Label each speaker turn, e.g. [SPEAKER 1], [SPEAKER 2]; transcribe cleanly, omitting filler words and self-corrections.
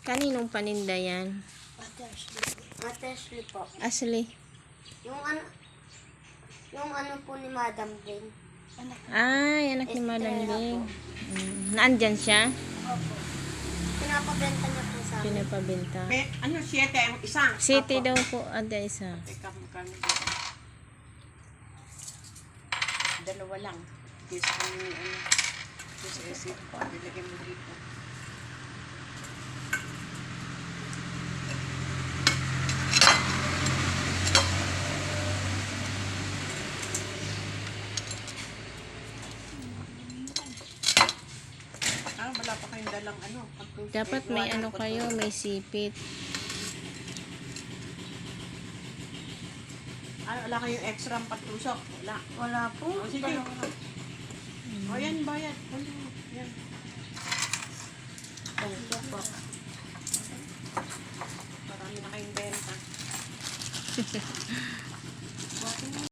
[SPEAKER 1] Kaninong paninda yan?
[SPEAKER 2] Ate Ashley po.
[SPEAKER 1] Ashley.
[SPEAKER 2] Yung ano po ni Madam Bing.
[SPEAKER 1] Ay, anak ni Madam Bing. Naandyan siya?
[SPEAKER 2] Opo. Pinapabenta niya po sa amin.
[SPEAKER 1] Pinapabenta.
[SPEAKER 3] Ano, 7 ang isa?
[SPEAKER 1] City
[SPEAKER 3] Apo.
[SPEAKER 1] daw po, ada isa.
[SPEAKER 3] Teka, magkano dito? Dalawa lang. Kesa kung ano. Kesa isip ko. Nilagay mo dito. Wala pa kayong dalang ano.
[SPEAKER 1] Dapat may ano kayo, may sipit.
[SPEAKER 3] Wala kayong extra patusok. Wala.
[SPEAKER 2] Wala po.
[SPEAKER 3] O, sige. O, yan, bayad. Yan.
[SPEAKER 2] Sige po.
[SPEAKER 3] Marami na kayong benta.